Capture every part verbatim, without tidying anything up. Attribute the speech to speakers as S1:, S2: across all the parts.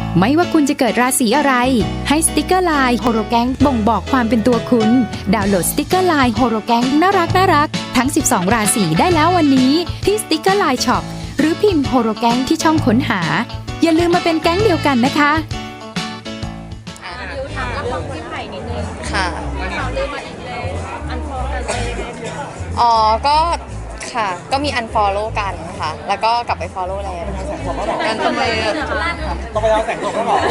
S1: ไม่ว่าคุณจะเกิดราศีอะไรให้สติกเกอร์ไลน์โฮโรแกงบ่งบอกความเป็นตัวคุณดาวน์โหลดสติกเกอร์ไลน์โฮโรแกงน่ารักน่ารักทั้งสิบสองราศีได้แล้ววันนี้ที่สติกเกอร์ไลน์ช็อปหรือพิมพ์โฮโรแกงที่ช่องค้นหาอย่าลืมมาเป็นแก๊งเดียวกันนะคะ
S2: ดิวถามเรื่องพี่ไผ่นิดนึง
S3: ค่ะ
S2: ข่าวลือมาอีกแล้วอันฟอลกันเลย
S3: อ๋อก็ค่ะก็มี unfollow กันค่ะแล้วก็กลับไป follow แล้วกันทำไม
S4: ต้องไปเอาแสงตกก็บอก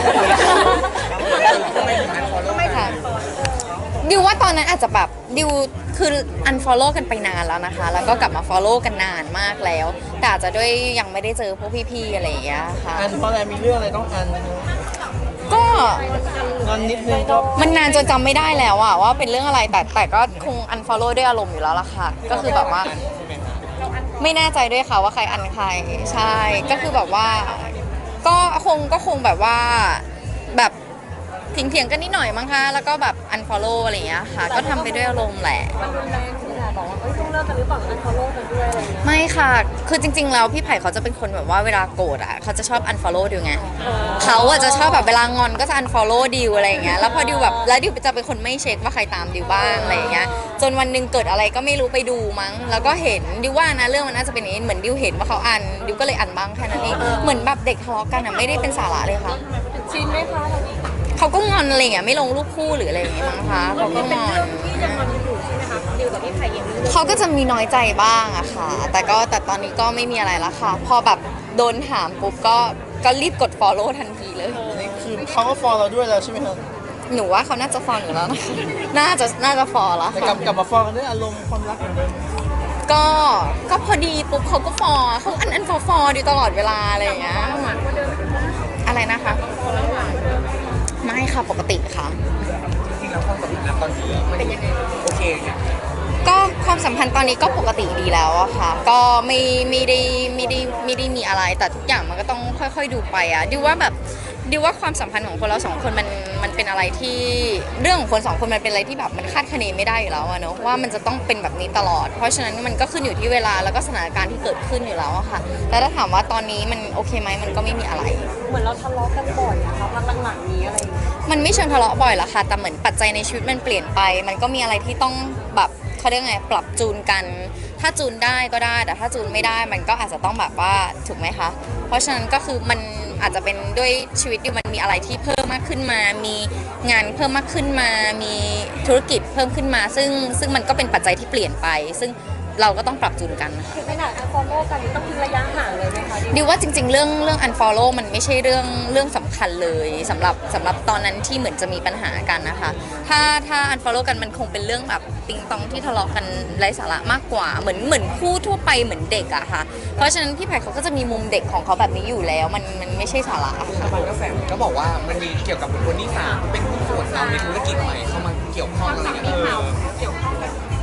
S3: ไม่ค่ะดิวว่าตอนนั้นอาจจะแบบดิวคือ unfollow กันไปนานแล้วนะคะแล้วก็กลับมา follow กันนานมากแล้วแต่อาจจะด้วยยังไม่ได้เจอพวกพี่ๆอะไรอย่างเงี้ยค่ะ
S4: อันเพราะอะไรมีเรื่องอะไรต้องอัน
S3: ก็
S4: งอนนิดนึงก็
S3: มันนานจนจำไม่ได้แล้วอะว่าเป็นเรื่องอะไรแต่แต่ก็คง unfollow ด้วยอารมณ์อยู่แล้วล่ะค่ะก็คือแบบว่าไม่แน่ใจด้วยค่ะว่าใครอันใครใช่ก็คือแบบว่าก็คงก็คงแบบว่าแบบเถียงๆกันนิดหน่อยมั้งคะแล้วก็แบบ unfollow อะไรอย่างเงี้ยค่ะก็ทำไปด้วยอารมณ์แหละ
S2: มันรุนแรงใช่ไหมบอกว่าเอ้ยต้องเลิกกันหรือเปล่า unfollow กันด้วยอะไรอย่างเงี้ย
S3: ไม่ค่ะคือจริงๆแล้วพี่ไผ่เขาจะเป็นคนแบบว่าเวลาโกรธอ่ะเขาจะชอบ unfollow ดิวไงเขาอ่ะจะชอบแบบเวลางอนก็จะ unfollow ดิวอะไรอย่างเงี้ยแล้วพอดิวแบบแล้วดิวจะเป็นคนไม่เช็คว่าใครตามดิวบ้างอะไรอย่างเงี้ยจนวันนึงเกิดอะไรก็ไม่รู้ไปดูมั้งแล้วก็เห็นดิวว่านะเรื่องมันน่าจะเป็นอย่างนี้เหมือนดิวเห็นว่าเขาอันดิวก็เลยอันบ้างแค่นั้นเองเหมือนแบบเด็กทะเลาะกันอ่ะไม่ได้เป็นสาระเลยค่ะ
S2: ชินไหมคะ
S3: เขาก็งอนอะไรอย่างเงี้ยไม่ลงรูปคู่หรืออะไรอย่างเงี้ยมั้งคะเขาก็งอน
S2: ที่ยังงอนอยู่ใช่ไหมคะดิวกับพี่ไผ่ยัง
S3: เขาก็จะมีน้อยใจบ้างอะค่ะแต่ก็แต่ตอนนี้ก็ไม่มีอะไรแล้วค่ะพอแบบโดนถามปุ๊บก็ก็รีบกด follow ทันทีเลย
S4: นี่คือเขาก็ฟอลเราด้วยแล้วใช่ไหมครับ
S3: หนูว่าเขาน่าจะฟอลอยู่แล้วนะน่าจะน่าจะฟอลแล้ว
S4: แต่กลับกลับมาฟอลกันด้วยอารมณ์ความรักเหมือนเดิม
S3: ก็ก็พอดีปุ๊บเขาก็ฟอลเขาอันอันฟอลฟอลอยู่ตลอดเวลาอะไรอย่างเงี้ยอะไรนะคะไม่ค่ะปกติค่ะ
S4: จริงๆแล้วความสัมพันธ์ตอนนี้เป็นยังไงโอเค
S3: ก็ความสัมพันธ์ตอนนี้ก็ปกติดีแล้วอะค่ะก็ไม่ไม่ได้ไม่ได้ไม่ได้มีอะไรแต่ทุกอย่างมันก็ต้องค่อยๆดูไปอะดิวว่าแบบดิวว่าความสัมพันธ์ของคนเราสองคนมันมันเป็นอะไรที่เรื่องของคนสองคนมันเป็นอะไรที่แบบมันคาดคะเนไม่ได้อยู่แล้วอะเนอะว่ามันจะต้องเป็นแบบนี้ตลอดเพราะฉะนั้นมันก็ขึ้นอยู่ที่เวลาแล้วก็สถานการณ์ที่เกิดขึ้นอยู่แล้วอะค่ะแต่ถ้าถามว่าตอนนี้มันโอเคไหมมันก็ไม่มีอะไร
S2: เหมือนเราทะเลาะกันบ่อยอะค่ะพักหลังๆนี้อะไรอย่างเงี้ย
S3: มันไม่เชิงทะเลาะบ่อยหรอกค่ะแต่เหมือนปัจจัยในชีวิตมันเปลี่ยนไปมันก็มีอะไรที่ต้องแบบเขาเรียกไงปรับจูนกันถ้าจูนได้ก็ได้แต่ถ้าจูนไม่ได้มันก็อาจจะต้องแบบว่าถูกไหมคะเพราะฉะนั้นก็คือมันอาจจะเป็นด้วยชีวิตที่มันมีอะไรที่เพิ่มมากขึ้นมามีงานเพิ่มมากขึ้นมามีธุรกิจเพิ่มขึ้นมาซึ่งซึ่งมันก็เป็นปัจจัยที่เปลี่ยนไปซึ่งเราก็ต้องปรับจูนกัน
S2: คือขนาด unfollow กันต้องทิ้งระยะห่างเลยไหมคะ
S3: ดิวว่าจริงๆเรื่องเรื่อง unfollow มันไม่ใช่เรื่องเรื่องสำคัญเลยสำหรับสำหรับตอนนั้นที่เหมือนจะมีปัญหากันนะคะถ้าถ้า unfollow กันมันคงเป็นเรื่องแบบติงตองที่ทะเลาะกันไร้สาระมากกว่าเหมือนเหมือนคู่ทั่วไปเหมือนเด็กอะค่ะเพราะฉะนั้นพี่ไผ่เขาก็จะมีมุมเด็กของเขาแบบนี้อยู่แล้วมันมันไม่ใช่สาระ
S4: ค่ะมันก็แฝงก็บอกว่ามันมีเกี่ยวกับบุคคลที่สามเป็นผู้ส่วนเราในธุรกิจใหม่เข้ามาเกี่ยวข้องอะไรอย่างเงี้ยเกี่ยวข้อง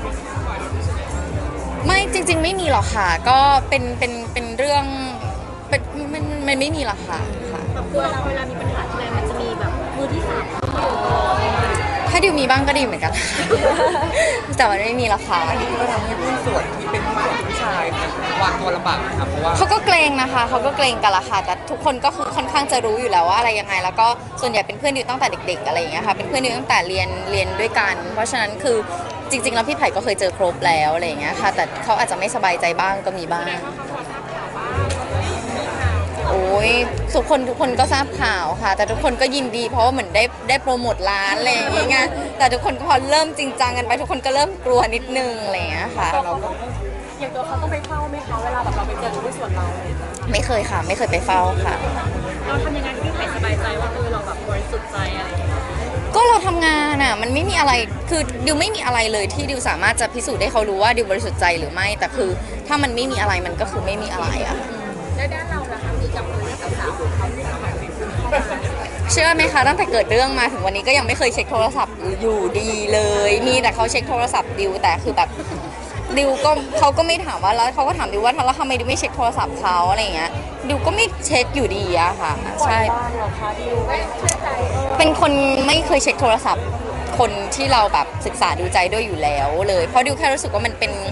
S3: ไม่จริงๆไม่มีหรอกค่ะก็เป็นเป็นเป็นเรื่องเป็นมันมันไม่มีหรอกค่ะค่ะ
S2: เวลาเวลามีปัญหาทีไรมันจะมีแบบมือที่สาม
S3: ถ้าดิวมีบ้างก็ดีเหมือนกันแต่มันไม่มีหรอกค่ะ
S4: ก็ทำให้ผู้ส่วนที่เป็นผู้ส่วนผู้ชายวางตัวลำบากนะครับเพราะว่า
S3: เขาก็เกรงนะคะเขาก็เกรงกันละค่ะแต่ทุกคนก็คือค่อนข้างจะรู้อยู่แล้วว่าอะไรยังไงแล้วก็ส่วนใหญ่เป็นเพื่อนดิวตั้งแต่เด็กๆอะไรอย่างเงี้ยค่ะเป็นเพื่อนดิวตั้งแต่เรียนเรียนด้วยกันเพราะฉะนั้นคือจริงๆแล้วพี่ไผ่ก็เคยเจอครบแล้วอะไรอย่างเงี้ยค่ะแต่เขาอาจจะไม่สบายใจบ้างก็มีบ้างโอ้ยทุกคนทุกคนก็ทราบข่าวค่ะแต่ทุกคนก็ยินดีเพราะว่าเหมือนได้ได้โปรโมทร้านอะไรอย่างเงี้ยแต่ทุกคนพอเริ่มจริงจังกันไปทุกคนก็เริ่มกลัวนิดนึงอะไรอย่างเงี้ยค่ะ
S2: อย่างตัวเขาต้องไปเฝ้าไหมคะเวลาแบบเราไปเจอผู้ส่วนเรา
S3: ไม่เคยค่ะไม่เคยไปเฝ้าค่ะ
S2: เราทำยังไงที่พี่ไผ่สบายใจว่าเออเราแบบบริสุทธิ์ใจอะไรอย่างเงี้ย
S3: ก็เราทำงานอ่ะมันไม่มีอะไรคือดิวไม่มีอะไรเลยที่ดิวสามารถจะพิสูจน์ให้เขารู้ว่าดิวบริสุทธิ์ใจหรือไม่แต่คือถ้ามันไม่มีอะไรมันก็คือไม่มีอะไรอ่ะ
S2: แล้วด้านเราล่ะคะมีจับมือกับสาวของเขาที่เขาแบบ
S3: เชื่อไหมคะตั้งแต่เกิดเรื่องมาถึงวันนี้ก็ยังไม่เคยเช็คโทรศัพท์อยู่ดีเลยมีแต่เขาเช็คโทรศัพท์ดิวแต่คือแบบดิวก็เขาก็ไม่ถามว่าแล้วเขาก็ถามดิวว่าแล้วทำไมดิวไม่เช็คโทรศัพท์เขาอะไรอย่างเงี้ยดิวก็ไม่เช็คอยู่ดีอะค่ะใช่เป็นคนไม่เคยเช็คโทรศัพท์คนที่เราแบบศึกษาดูใจด้วยอยู่แล้วเลยเพราะดิวแค่รู้สึกว่ามันเป็น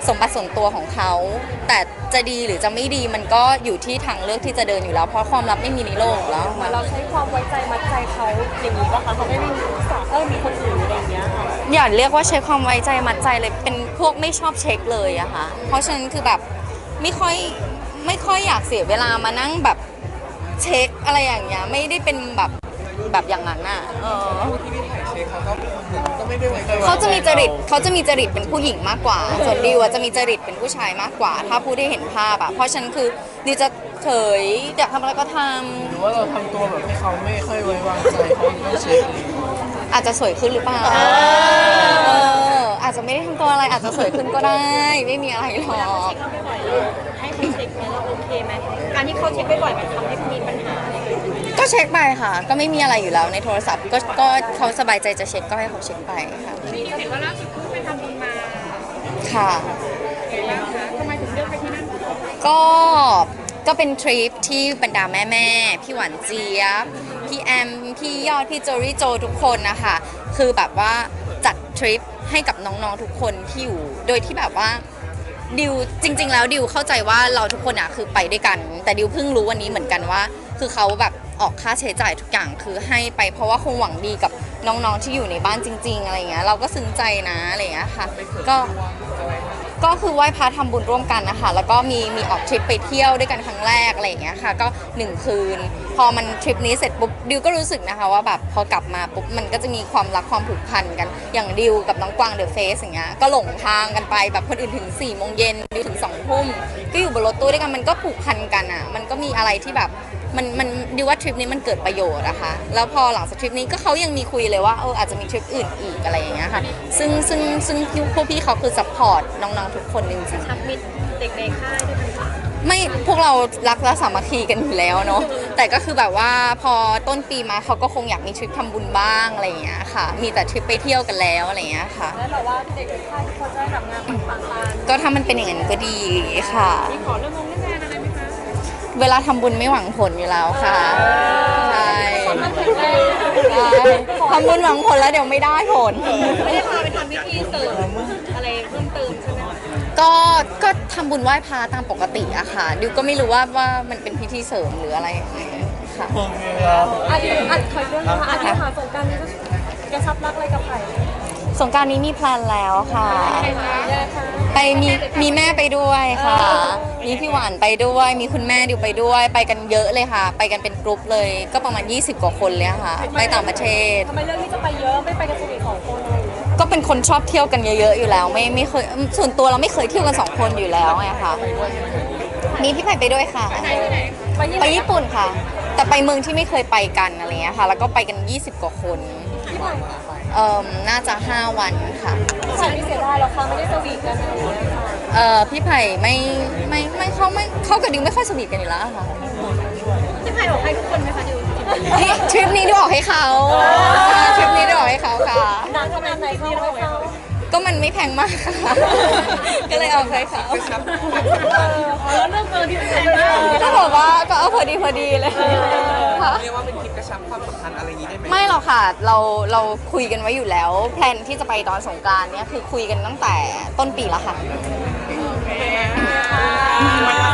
S3: สมบัติส่วนตัวของเขาแต่จะดีหรือจะไม่ดีมันก็อยู่ที่ทางเลือกที่จะเดินอยู่แล้วเพราะความลับไม่มีในโลกอยู่แล้ว
S2: เหมือนเราใช้ความไว้ใจมัดใจเขาอย่างนี้ป่ะคะเขาไม่ได้รู้สาเออมีคนอื่นอะไรอย่างเงี้ยค่ะ
S3: อย่าเรียกว่าใช้ความไว้ใจมัดใจเลยเป็นพวกไม่ชอบเช็คเลยอะค่ะเพราะฉะนั้นคือแบบไม่ค่อยไม่ค่อยอยากเสียเวลามานั่งแบบเช็คอะไรอย่างเงี้ยไม่ได้เป็นแบบแบบอย่างนั้นอะเออ
S4: ผู้ที่พี่ถ่ายเช็คเขาก็ก็ไม่ได้ไว้ใจ
S3: เขาจะมีจริตเขาจะมีจริตเป็นผู้หญิงมากกว่า ส่วนดิวอะจะมีจริตเป็นผู้ชายมากกว่า ถ้าผู้ได้เห็นภาพอะเพราะฉะนันคือดิวจะเฉยอยากทำอะไรก็ท
S5: หรือว่าเราทำตัวแบบให้เขาไม่ค่อยไว้วางใจเขาต้องเช็ค
S3: ำอาจจะสวยขึ้นหรือเปล่าเอออาจจะไม่ได้ทำตัวอะไรอาจจะสวยขึ้นก็ได้ ไม่มีอะไรหร
S2: เวลา
S3: อ
S2: เขา
S3: ก
S2: เช็คเขาบ่อยๆเราให้เขาเช็คไหมเราโอเคไหมการที่เขาเช็คบ่อยๆมันทำให้มีปัญหาอะไรอย่างเงี้ย
S3: ก็เช็คไปค่ะ ก็ไม่มีอะไรอยู่แล้วในโทรศัพท์ก็ก็เขาสบายใจจะเช็คก็ให้เขาเช็คไปค่ะ
S2: นี่เห็นว่าล่าสุดเพิ่งไปทำบุญมา
S3: ค่ะ
S2: เห็นบ้างคะทำไมถึงเลือกไปที่นั่น
S3: ก็ก็เป็นทริปที่บรรดาแม่แม่ๆพี่หวานเจี๊ยบพี่แอมพี่ยอดพี่โจรี่โจทุกคนนะคะคือแบบว่าจัดทริปให้กับน้องๆทุกคนที่อยู่โดยที่แบบว่าดิวจริง ๆ แล้วดิวเข้าใจว่าเราทุกคนอ่ะคือไปด้วยกัน แต่ดิวเพิ่งรู้วันนี้เหมือนกันว่า คือเขาแบบออกค่าใช้จ่ายทุกอย่างคือให้ไปเพราะว่าคงหวังดีกับน้องๆที่อยู่ในบ้านจริง ๆอะไรเงี้ยเราก็ซึ้งใจนะอะไรเงี้ยค่ะก็ก็คือไหว้พระทำบุญร่วมกันนะคะแล้วก็มีมีออกทริปไปเที่ยวด้วยกันครั้งแรกอะไรอย่างเงี้ยค่ะก็หนึ่งคืน พอมันทริปนี้เสร็จปุ๊บดิวก็รู้สึกนะคะว่าแบบพอกลับมาปุ๊บมันก็จะมีความรักความผูกพันกันอย่างดิวกับน้องกวางเดอะเฟสอย่างเงี้ยก็หลงทางกันไปแบบคนอื่นถึงสี่โมงเย็นดิวถึงสองทุ่มก็อยู่บนรถตู้ด้วยกันมันก็ผูกพันกันอ่ะมันก็มีอะไรที่แบบมันมันดิวว่าทริปนี้มันเกิดประโยชน์นะคะแล้วพอหลังจากทริปนี้ก็เขายังมีคุยเลยว่าเอออาจจะมีทริปอื่นอีกอะไรอย่างเงี้ยค่ะซึ่งซึ่งซึ่งพวกพี่เขาคือซัพพอร์ตน้องๆทุกคนจริงๆ
S2: ชักมิตรเด็กในค่ายด้วยกันค่ะ
S3: ไม่พวกเรารักและสามัคคีกันอยู่แล้วเนาะแต่ก็คือแบบว่าพอต้นปีมาเขาก็คงอยากมีทริปทำบุญบ้างอะไรอย่างเงี้ยค่ะ มีแต่ทริปไปเที่ยวกันแล้วอะไรอย่างเงี้ยค่ะ
S2: แล้วแบบว่าเด็กในค่ายเขาจะได้แบบงานปังๆตาม
S3: ก็ถ้ามันเป็นอย่างนั้นก็ดีค่ะ
S2: มีขอเรื่องงงเรื่องงานอะไรไหมคะ
S3: เวลาทำบุญไม่หวังผลอยู่แล้วค่ะใช่
S2: ความรักแข็งแรง
S3: ใช่ทำบุญหวังผลแล้วเดี๋ยวไม่ได้ผล
S2: ไม่ได้พาไปทำพิธีเสริมอะไรเพิ่มเติมใช่ไหมคะ
S3: ก็ก็ทำบุญไหว้พระตามปกติอะค่ะดิวก็ไม่รู้ว่าว่ามันเป็นพิธีเสริมหรืออะไรยังไงค่ะ
S5: โอเคครับ
S2: อาทิตย์อาทิตย์คอยเรื่องนะคะอาทิตย์หาสงกรารนี้จะกระชับรักอะไรกับใคร
S3: สงกรารนี้มีแพลนแล้วค่ะ
S2: ใครคะแย่ค่ะ
S3: ไปมีมีแม่ไปด้วยค่ะ มีพี่หวานไปด้วย มีคุณแม่ดิวไปด้วย ไปกันเยอะเลยค่ะ ไปกันเป็นกรุ๊ปเลย ก็ประมาณยี่สิบกว่าคนเลยค่ะ ไปต่างประเทศ
S2: ทำไมเรื่องที่จะไปเยอะไม่ไปกันสนิทสองคนเลย
S3: ก็เป็นคนชอบเที่ยวกันเยอะๆอยู่แล้ว ไม่ไม่เคย ส่วนตัวเราไม่เคยเที่ยวกันสองคนอยู่แล้วไงค่ะ มีพี่ไผ่ไปด้วยค่ะ
S2: ไปที่ไหนไปที่ไห
S3: ไป
S2: น
S3: ญี่ปุ่นค่ะ แต่ไปเมืองที่ไม่เคยไปกันอะไรเงี้ยค่ะ แล้วก็ไปกันยี่สิบกว่าคน เอ่อน่าจะห้าวันค่ะ
S2: พี่ไผ่ไม่เสียดายหรอกค่ะไม่ได้สวีทกันอะไรอย่างเงี้ยค่ะ
S3: เอ่อพี่ไผ่ไม่ไม่ไม่เขาไม่เขากับดิวไม่ค่อยสนิทกันอยู่แล้วค่ะ
S2: พี่ไผ่บอกให้ทุกคนไหมคะดิว
S3: นี่ทริปนี้ดิวออกให้เขาทริปนี้ดิวออกให้เขาค่ะ
S2: นานขนาดไหนเขาไม่เขา
S3: ก็มันไม่แพงมากค่ะ ก็เลยเอาให้เขา
S2: เออแล้วเรื่องเกินที่แพงมาก
S3: ก็บอกว่าก็เอาพอดีพอดีเลยค่ะ
S4: เรียกว่าเป็นทริปกระชับความสัมพันธ์อะไรอย่างนี้ได้ไหม
S3: ไม่หรอกค่ะ เราเราคุยกันไว้อยู่แล้ว แพลนที่จะไปตอนสงกรานต์เนี่ยคือคุยกันตั้งแต่ต้นปีแล้วค่ะ
S2: ค่ะ